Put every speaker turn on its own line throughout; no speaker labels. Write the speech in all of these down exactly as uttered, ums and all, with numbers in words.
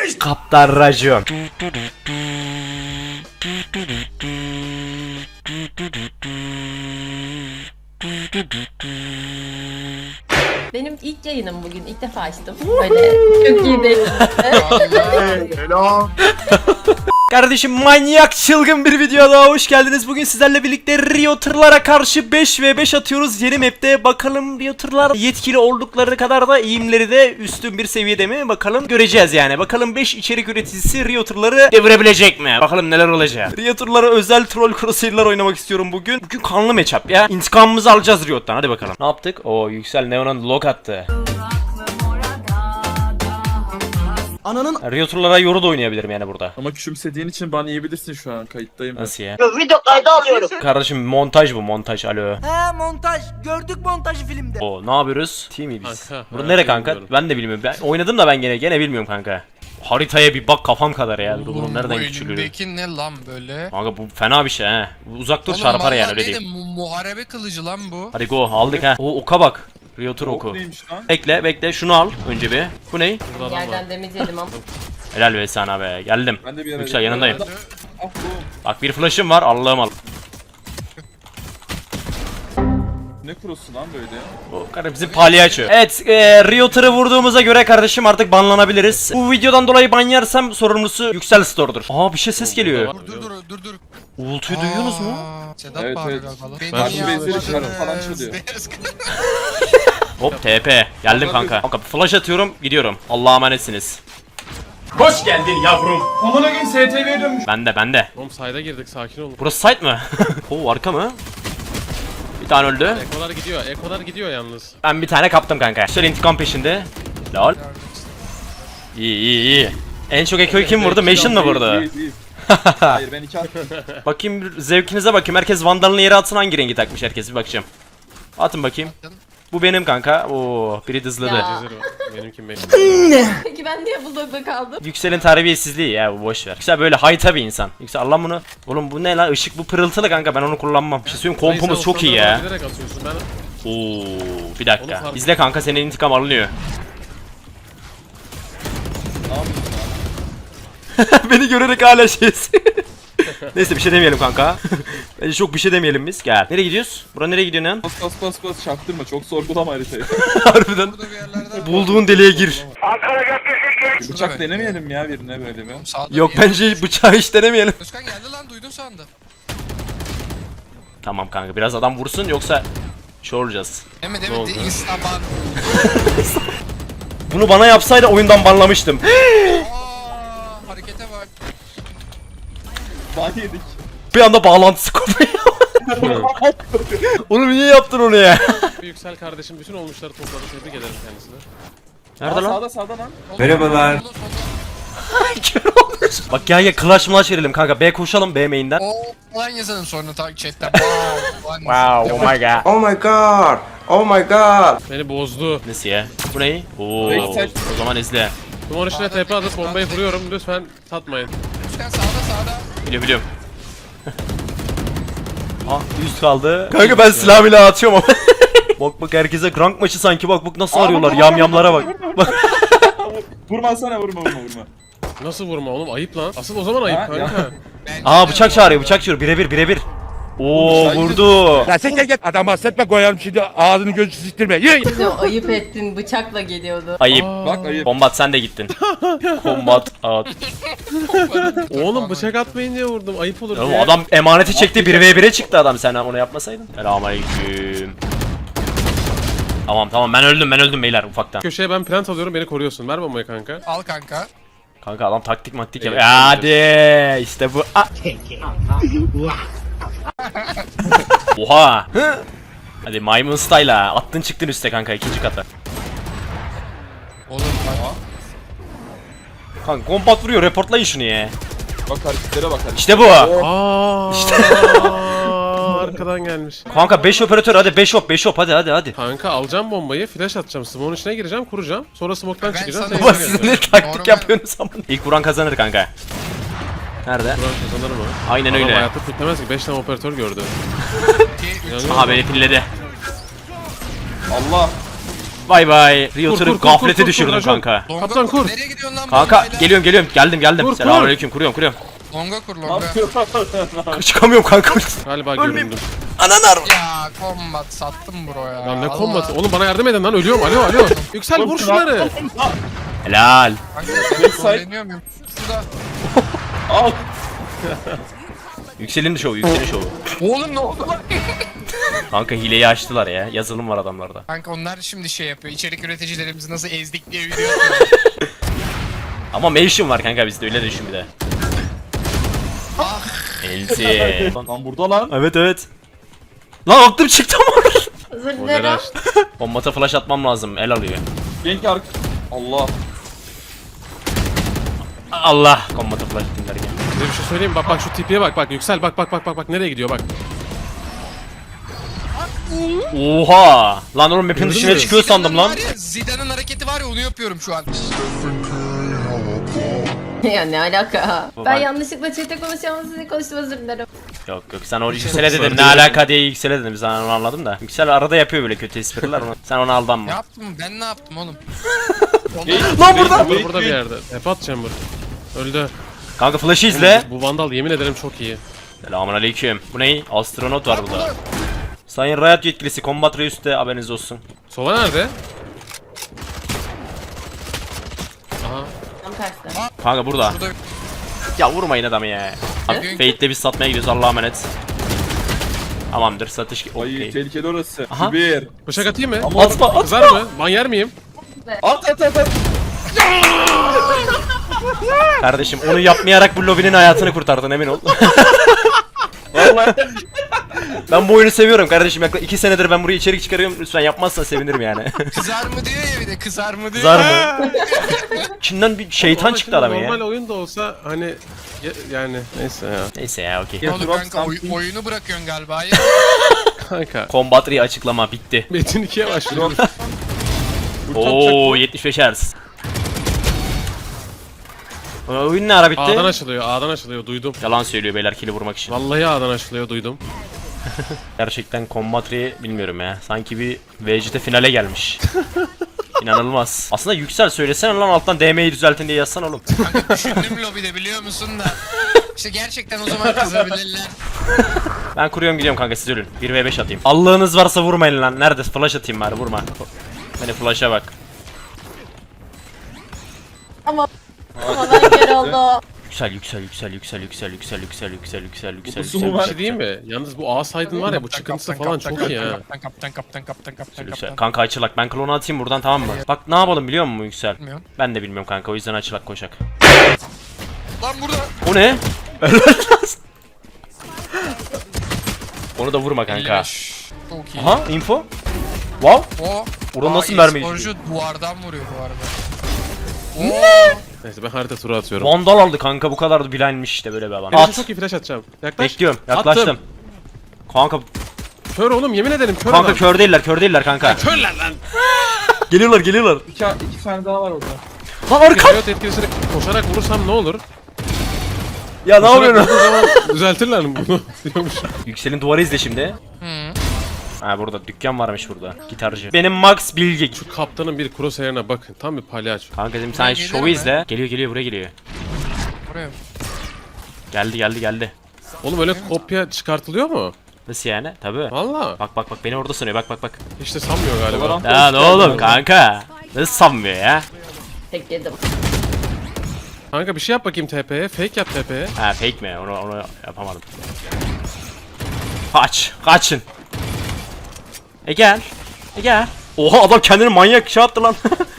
Kaptan racon.
Benim ilk yayınım bugün. İlk defa açtım. Böyle çok iyi değil.
Helal.
Kardeşim manyak çılgın bir video daha hoş geldiniz. Bugün sizlerle birlikte Rio tırlara karşı beş ve beş atıyoruz yeni map'te. Bakalım Rio tırlar yetkili oldukları kadar da eğimleri de üstün bir seviyede mi? Bakalım göreceğiz yani. Bakalım beş içerik üreticisi Rio tırları devirebilecek mi? Bakalım neler olacak. Rio tırlara özel troll crosshair'lar oynamak istiyorum bugün. Bugün kanlı matchup ya. İntikamımızı alacağız Rio'dan. Hadi bakalım. Ne yaptık? Oo Yüksel Neon'un log attı.
Ananın
Rio turlara yoru da oynayabilirim yani burada.
Ama küçümsediğin için bana yiyebilirsin şu an, kayıttayım ben.
Nasıl ya?
Video kaydı alıyorum.
Kardeşim montaj bu montaj alo.
he montaj gördük montajı filmde.
O ne yapıyoruz? Team miyiz biz?
Kanka,
Burada
ha,
nere kanka?
bilmiyorum.
Ben de bilmiyorum. Ben oynadım da ben gene gene bilmiyorum kanka. Haritaya bir bak kafam kadar ya. Dur bunun nereden
Bu
küçülüyor?
elindeki ne lan böyle?
Kanka bu fena bir şey he. Uzak dur
Oğlum
çarpar yani
vallahi
öyle
dedim,
diyeyim.
mu- muharebe kılıcı lan bu.
Hadi go aldık ha. O oka bak. Rio tur oku.
Ok neymiş lan?
Bekle bekle şunu al önce bir. Bu ne?
Burada adam var.
Yerden demeyelim ama.
Helal be sana be. Geldim.
Ben de bir ara...
Yüksel yanındayım.
Ah bu.
Bak bir flash'ım var Allah'ım al.
Ne kurusu lan böyle?
O kardeşim bizim palyaço. Evet e, Rio tırı vurduğumuza göre kardeşim artık banlanabiliriz. Bu videodan dolayı ban yersem sorumlusu Yüksel Store'dur. Aa bir şey ses geliyor.
Dur dur dur dur dur.
Uğultuyu duyuyorsunuz mu?
Aa, Sedat
Evet,
bağırıyor
evet.
galiba.
Ben
Beni
şu
bezleri
yapmadınız,
çıkarıp falan çalıyor.
beyaz-
Hop T P. Geldim kanka. Kanka flash atıyorum gidiyorum. Allah'a emanetsiniz. Hoş geldin yavrum.
Amına gün S T V'ye dönmüş.
Bende bende.
Oğlum sayda girdik, sakin olun.
Burası site mi? Oo arka mı? Bir tane öldü.
Ekolar gidiyor, ekolar gidiyor yalnız.
Ben bir tane kaptım kanka. Şöyle intikam peşinde. Lol. İyi iyi iyi. En çok ekoyu kim vurdu? Mason mı vurdu?
Değil, değil. Hayır ben iki attım.
Bakayım bir zevkinize bakayım. Herkes vandalını yere atsın, hangi rengi takmış herkes bir bakacağım. Atın bakayım. Bu benim kanka. Oo biri dızladı.
Ya.
Zero. Benimki beş.
Peki ben niye bulldogda kaldım?
Yüksel'in terbiyesizliği ya bu boş ver. Yüksel böyle hayta bir insan. Yüksel Allah bunu. Oğlum bu ne lan? Işık bu pırıltılı kanka, ben onu kullanmam. Bir şey söyleyeyim, kompumuz çok iyi ya.
Bilerek atıyorsun ben.
Oo bir
Onu
dakika.
fark-
İzle kanka, senin intikam alınıyor. Beni görerek hala şeysin. Neyse bir şey demeyelim kanka. Bence çok bir şey demeyelim biz. Gel. Nereye gidiyoruz? Bura nereye gidiyor lan?
Bas bas bas bas çaktırma, çok sorgulama haritayı.
Harbiden.
Burada bir yerlerde.
Bulduğun deliğe gir.
Bıçak denemeyelim ya birine böyle bir.
Sağda
Yok
bir yer.
bence bıçağı hiç denemeyelim.
Özkan geldi lan, duydun sandım.
Tamam kanka, biraz adam vursun yoksa şey olacağız.
Deme
Ne
deme
oldu?
de Instaban.
Bunu bana yapsaydı oyundan banlamıştım.
Aa, harekete bak.
Ban yedik.
Bir anda bağlantısı kopuyor. Oğlum niye yaptın onu ya?
Bir Yüksel kardeşim bütün olmuşları topladı, tebrik ederim kendisine.
Nerede
Aa,
lan?
Sağda sağda lan.
Merhabalar.
Kör olmuş. Bak gel gel clutch mulaş verelim kanka. B koşalım B main'den.
Oo falan yazalım sonra ta chatten. Wow. falan.
Wow, oh my god.
Oh my god! Oh my god!
Beni bozdu.
Nasıl ya? Bu ne? Oo.
Backside.
O zaman izle.
Duman içine tepe atıp bombayı vuruyorum, lütfen satmayın.
Özkan sağda sağda.
Biliyorum biliyorum. Ah üst kaldı. Kanka ben silah bile atıyorum ama. Bak bak herkese rank maçı sanki, bak bak nasıl
Aa,
arıyorlar,
vurma,
yamyamlara
vurma,
bak. Bak.
Vurma sana, vurma vurma vurma.
Nasıl vurma oğlum, ayıp lan. Asıl o zaman ayıp
Ha,
kanka.
ya.
Bence
Aa
de
bıçak
o-
çağırıyor, bıçak çağırıyor. Birebir birebir. Oo
Oğlum,
vurdu.
Ya sen gel gel adam bahsetme koyarım şimdi ağzını gözü siktirme. Yürü.
Bize o ayıp ettin, bıçakla geliyordu.
Ayıp.
Bak ayıp.
Kombat sen de gittin. Kombat at.
Oğlum bıçak atmayın diye vurdum, ayıp olur
Oğlum
diye.
adam emaneti çekti, bir ve bire çıktı adam, sen onu yapmasaydın. Selamünaleyküm. Tamam tamam ben öldüm ben öldüm beyler ufaktan.
Köşeye ben plant alıyorum, beni koruyorsun. Ver bombayı kanka.
Al kanka.
Kanka adam taktik maktik
Evet,
yapıyor. Hadi işte bu. A- Oha. Hı? Hadi maymun style'a attın çıktın üste kanka, ikinci kata.
Oğlum bak.
Kanka kombat vuruyor, reportlayın şunu ya.
Bak hareketlere bak hareketlere.
İşte bu.
Aa, işte arkadan gelmiş.
Kanka beş operatör, hadi beş op beş op hadi hadi hadi.
Kanka alacağım bombayı, flash atacağım, smoke'un içine gireceğim, kuracağım. Sonra smoke'tan
Ben
çıkacağım.
sana-
seni
Baba
izleyeceğim.
siz ne taktik
Normal.
yapıyorsunuz ama. İlk vuran kazanır kanka. Nerede?
Buran kazanır mı?
Aynen
Adam
öyle.
hayatta tutmaz ki, beş tane operatör gördü.
iki, üç.
Aha beni pilledi.
Allah.
Bay bay. Realtor'ı
kur, kur,
gaflete
kur, kur,
düşürdüm
kur,
kanka.
Longa
Kaptan kur.
Nereye gidiyorsun lan
Kanka
bombayla?
geliyorum geliyorum. Geldim geldim.
Kur, kur.
Selamünaleyküm. Kuruyorum kuruyorum.
Longa kur longa.
Çıkamıyorum kanka.
Galiba göründüm.
Ya combat sattım bro ya.
Lan ne
Allah.
kombatı? Oğlum bana yardım edin lan ölüyorum. Alo alo. Yüksel vur şunları.
Helal.
Kanka ben trolleniyor muyum? Şurada.
Al.
Yükselin şovu, yükselin şovu.
Oğlum ne oldu lan?
Kanka hileyi açtılar ya. Yazılım var adamlarda.
Kanka onlar şimdi şey yapıyor. İçerik üreticilerimizi nasıl ezdik diye video atıyor.
Ama mention var kanka bizde öyle düşün bir de.
Ah.
Elti.
Lan burada lan.
Evet evet. Lan aklım çıktı ama.
Özür
O nereye
dilerim.
açtı?
Bombata flash atmam lazım. El alıyor.
Genk ark. Allah.
Allah. Bombata flash dinlerken.
Size bir şey söyleyeyim mi? Bak bak şu tipiye bak bak Yüksel bak bak bak bak bak nereye gidiyor bak.
Oha. Lan oğlum map'in
Gördün
dışına
mü?
çıkıyor sandım lan.
Var ya, Zidane'ın hareketi var ya onu yapıyorum şu an.
Ya ne alaka?
Bu
Ben
ben-
yanlışlıkla chat'e konuşamam size konuştum özür dilerim.
Yok yok sen o yüksele dedin. Ne alaka diye yüksele dedim. Sen onu anladım da. Yüksel arada yapıyor böyle kötü espriler. Onu. Sen ona aldanma.
Ne yaptım ben ne yaptım oğlum?
Lan burada.
Burada burada bir yerde. Tepat chamber. Öldü.
Kanka flash'ı izle.
Bu vandal yemin ederim çok iyi.
Selamünaleyküm. Bu ne? Astronot var burada. Sayın Riot yetkilisi Combat Reus'te haberiniz olsun.
Sova nerede? Aha.
Tam tersi.
Kanka burada.
Burada
Ya vurmayın adamı ya. Abi Fate'le biz satmaya gidiyoruz Allah'a emanet. Tamamdır satış.
Ay
Okey.
tehlikeli orası.
Aha.
Bir.
Bıçak atayım mı?
Ama
Atma atma.
Kızar mı? Ben yer miyim?
at at at at.
Kardeşim onu yapmayarak bu lobinin hayatını kurtardın emin ol.
Vallahi.
Ben bu oyunu seviyorum kardeşim. Yaklaşık iki senedir ben buraya içerik çıkarıyorum. Lütfen yapmazsan sevinirim yani.
kızar mı diyor ya bir de kızar mı diyor.
Zar mı? İçinden bir şeytan
Ama
çıktı
şimdi
adamın
Normal
ya.
oyun da olsa hani ya- yani neyse ya.
Neyse ya okey.
Ne oldu
Drop
kanka oy-
something.
oyunu bırakıyorsun galiba ya.
Kanka.
Combat Re açıklama bitti.
Metin ikiye başlıyoruz.
Oo yetmiş beş Hz. Aa, Oyun ne ara bitti?
A'dan açılıyor, A'dan açılıyor duydum.
Yalan söylüyor beyler kill'i vurmak için.
Vallahi A'dan açılıyor duydum.
Gerçekten Combat Re bilmiyorum ya. Sanki bir V G T finale gelmiş. İnanılmaz. Aslında Yüksel söylesene lan alttan D M'yi düzeltin diye yazsan oğlum.
Kanka düşündüm lobide biliyor musun da. İşte gerçekten o zaman kızabilirler.
Ben kuruyorum gidiyorum kanka siz ölün. bir ve beş atayım. Allah'ınız varsa vurmayın lan. Nerede? Flash atayım bari vurma. Beni flash'a bak.
Ama ben kör oldu.
Yüksel yüksel yüksel yüksel yüksel yüksel yüksel yüksel yüksel yüksel
Kutusu mu
yüksel
var?
Bir şey diyeyim mi? Yalnız bu A side'ın var ya bu çıkıntısı falan çok iyi ha.
Kaptan kaptan kaptan kaptan kaptan
Yüksel.
kaptan.
Kanka açılak ben klonu atayım buradan tamam mı? Bak ne yapalım biliyor musun Yüksel?
Bilmiyorum.
Ben de bilmiyorum kanka o yüzden açılak koşak.
Lan burada.
O ne? Onu da vurma kanka.
elli beş. Çok iyi.
Aha info. Wow.
O.
Oradan
Aa,
nasıl mermi
e-sporcu duvardan vuruyor bu arada.
Neyse ben harita turu atıyorum.
Vandal aldı kanka bu kadar da bilenmiş işte böyle bir adam.
Flash'a
At.
çok iyi flash atacağım. Yaklaş.
Bekliyorum yaklaştım.
Attım.
Kanka
Kör oğlum yemin ederim kör
kanka
adam.
kör değiller kör değiller kanka.
Körler lan.
Geliyorlar geliyorlar.
İki, iki tane daha var orada.
Lan arka.
Riot etkilisini koşarak vurursam ne olur?
Ya ne
Koşarak
yapıyorsun?
vurduğum zaman düzeltirler mi bunu? Diyormuş.
Yüksel'in duvarı izle şimdi.
Hı.
Ha burada dükkan varmış burada. Gitarcı. Benim Max Bilge.
Şu kaptanın bir crosshair'ına bakın. Tam bir palyaço.
Kanka dedim sen
Buraya gelir
şovu
mi?
izle. Geliyor geliyor buraya geliyor.
Buraya.
Geldi geldi geldi.
Oğlum öyle kopya çıkartılıyor mu?
Nasıl yani? Tabii.
Valla.
Bak bak bak beni orada sanıyor bak bak bak.
Hiç de sanmıyor galiba.
Valorant-
Ya ne oğlum kanka. Nasıl sanmıyor ya?
Tek yedim.
Kanka bir şey yap bakayım T P'ye. Fake yap T P'ye.
Ha fake mi? Onu onu yapamadım. Kaç. Kaçın. E gel. E gel. Oha adam kendini manyak şey yaptı lan.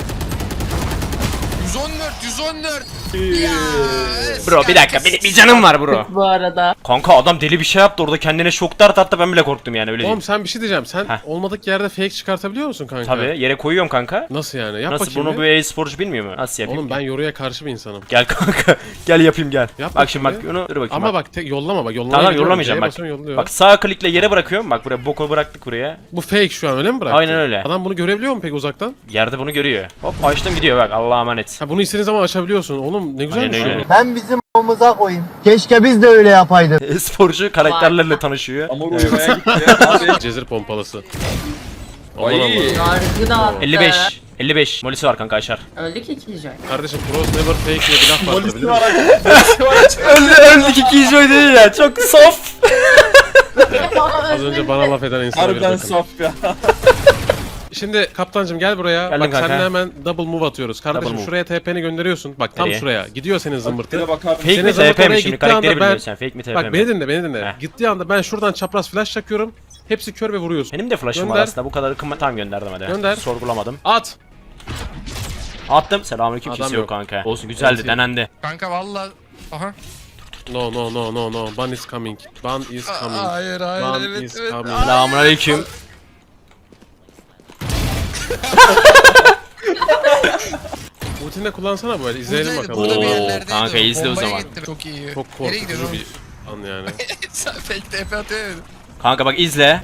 yüz on dört yüz on dört. Ya.
Bro bir dakika benim bir canım var bro.
Bu arada.
Kanka adam deli bir şey yaptı orada kendine şok dart attı ben bile korktum yani öyle
Oğlum
diyeyim.
sen bir şey diyeceğim. Sen
Heh.
olmadık yerde fake çıkartabiliyor musun kanka?
Tabii yere koyuyorum kanka.
Nasıl yani? Yap
Nasıl
bakayım
bunu
bir.
bir e-sporcu bilmiyor mu? Nasıl yapayım?
Oğlum ben yoruya karşı bir insanım.
Gel kanka. Gel yapayım gel.
Yap
bak şimdi bak
bakayım
onu dur bakayım.
Ama
bak.
bak tek yollama bak. Yollamaya
Tamam
gidiyorum,
yollamayacağım
C'ye
bak.
basıyorum, yolluyor.
Bak sağ klikle yere bırakıyorum. Bak buraya boku bıraktık buraya.
Bu fake şu an öyle mi bıraktın?
Aynen öyle.
Adam bunu görebiliyor mu peki uzaktan?
Yerde bunu görüyor. Hop açtım gidiyor bak Allah'a emanet.
Ha bunu istediğin zaman açabiliyorsun. Oğlum ne güzel
Aynen
bir şey
öyle.
bu.
Ben bizim omuza koyayım. Keşke biz de öyle yapaydık.
E-sporcu karakterlerle tanışıyor.
Ama
Evet.
uyumaya gitti ya. Abi
Cezir pompalısı. Aman aman.
Yargı da attı.
elli beş. elli beş. Molisi var kanka Aşar.
Öldü ki Killjoy.
Kardeşim pros never fake diye bir laf vardır bilir
Polisi
misin?
var aç.
öldü öldük iki joy değil ya. Çok soft.
Az önce bana laf eden insana bir
Harbiden
bakın.
soft ya.
Şimdi kaptancım gel buraya.
Geldim
Bak
kanka.
seninle hemen double move atıyoruz. Kardeşim
Double move.
şuraya T P'ni gönderiyorsun. Bak tam
Nereye?
şuraya. Gidiyor senin zımbırtı.
Bir de bakar
Fake
Senin
mi
zımbırtı
T P mi
oraya
şimdi?
gittiği anda
Karakteri
ben-
bilmiyorsun sen. Fake mi T P mi?
Bak beni dinle beni dinle.
Heh.
Gittiği anda ben şuradan çapraz flash çakıyorum. Hepsi kör ve vuruyorsun.
Benim de flash'ım var
Gönder.
aslında. Bu kadar ıkınma. Tamam gönderdim hadi.
Gönder.
Sorgulamadım.
At.
Attım. Selamünaleyküm.
Adam
Kimse yok
yok.
kanka. Olsun güzeldi.
Olsun.
Denendi.
Kanka valla. Aha.
No no no no no. Ban is coming. Ban is coming.
Hayır hayır
Ban
evet
is
evet.
coming.
Selamünaleyküm.
Ultinde kullansana böyle izleyelim
Buradaydı,
bakalım.
Burada bir
Oo,
yerlerdeydi
kanka
o.
izle o
Bombaya
zaman.
gitti. Çok iyi.
Çok
Nereye gidiyorsun
korkutucu
oğlum?
bir an yani.
Sen fake T P atıyor ya.
Kanka bak izle.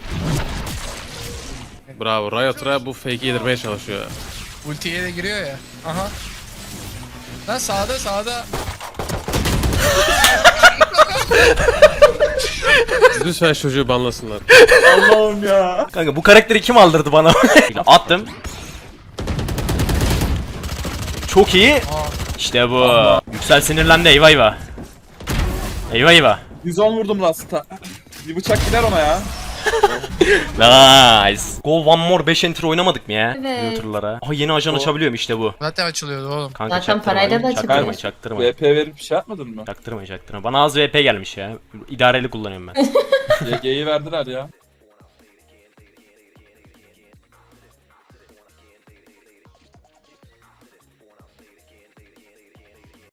Bravo. Riot Ra bu fake'i yedirmeye çalışıyor.
Ultiye de giriyor ya. Aha. Lan sağda sağda.
Lütfen çocuğu banlasınlar.
Allah'ım ya.
Kanka bu karakteri kim aldırdı bana? Attım. Çok iyi. İşte bu. Yüksel sinirlendi eyvah eyvah. Eyvah eyvah.
yüz on vurdum Last'a. Bir bıçak gider ona ya.
Nice. Go one more beş enter oynamadık mı ya?
Evet.
Youtuber'lara. Aha yeni ajan açabiliyorum işte bu.
Zaten açılıyordu oğlum.
Kanka
Zaten
çaktırmayın,
parayla da
çaktırmayın,
açılıyor.
çaktırmayın.
V P verip bir şey yapmadın mı?
Çaktırmayın, çaktırmayın. Bana az V P gelmiş ya. İdareli kullanıyorum ben.
Y G'yi verdiler ya.